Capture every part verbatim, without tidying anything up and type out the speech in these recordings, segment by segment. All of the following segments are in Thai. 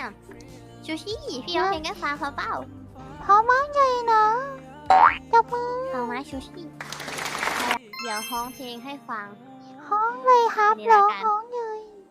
ชูชี่พี่ร้องเพลงให้ฟังเขาเปล่าพร้อมมากเลยนะจับมือเอาไหมชูชี่เดี๋ยวฮ้องเพลงให้ฟังห้องเลยครับนี่ร้ละองกันห้องเลย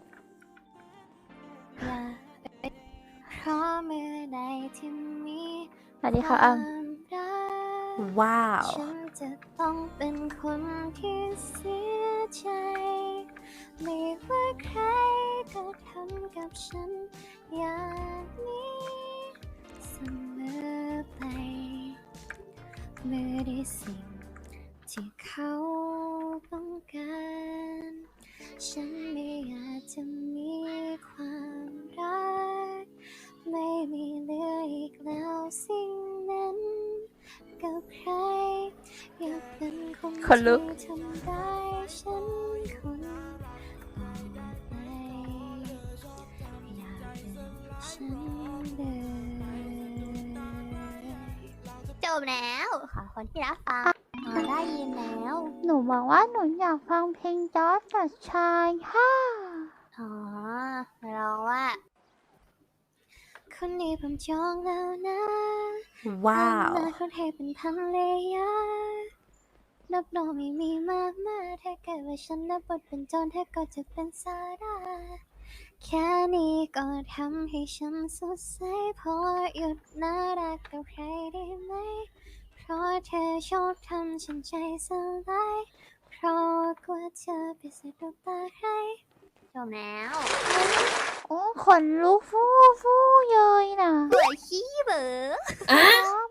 อย่าเพราะเมื่อใดที่มีสวัสดีค่ะอ้ำวามรักว้าวฉันจะต้องเป็นคนที่เสียใจ ไม่ว่าใครก็ทำกับฉันอย่างนี้เสมอไป เมื่อได้สิ่งที่เขาต้องการ ฉันไม่อาจจะมีความรัก ไม่มีเหลืออีกแล้วสิ่งนั้นกับใคร อยากเป็นคนคนลุที่กทำร้ายฉันคนต่อไปอยากเป็นฉันเลยจบแล้วขอคนที่รับฟังอ๋อได้ยินแล้วหนูบอกว่าหนูอยากฟังเพลงจอร์จกับชายค่ะอ๋อเราว่า คนนี้ผมจองแล้วนะว้าวอนาคตให้เป็นพันเลยานับรองไม่มีมากมายถ้าเกิดว่าฉันนับบทเป็นโจรเธอก็จะเป็นซาร่าแค่นี้ก็ทำให้ฉันสดใสพอหยุดน่ารักกับใครได้ไหม เพราะเธอชอบทำฉันใจสลายเพราะกลัวเธอไปสะดุดตาใครจบแล้วโอ้ขนลุกฟู่ฟู่เลยนะสวยขี้เบออ๋อ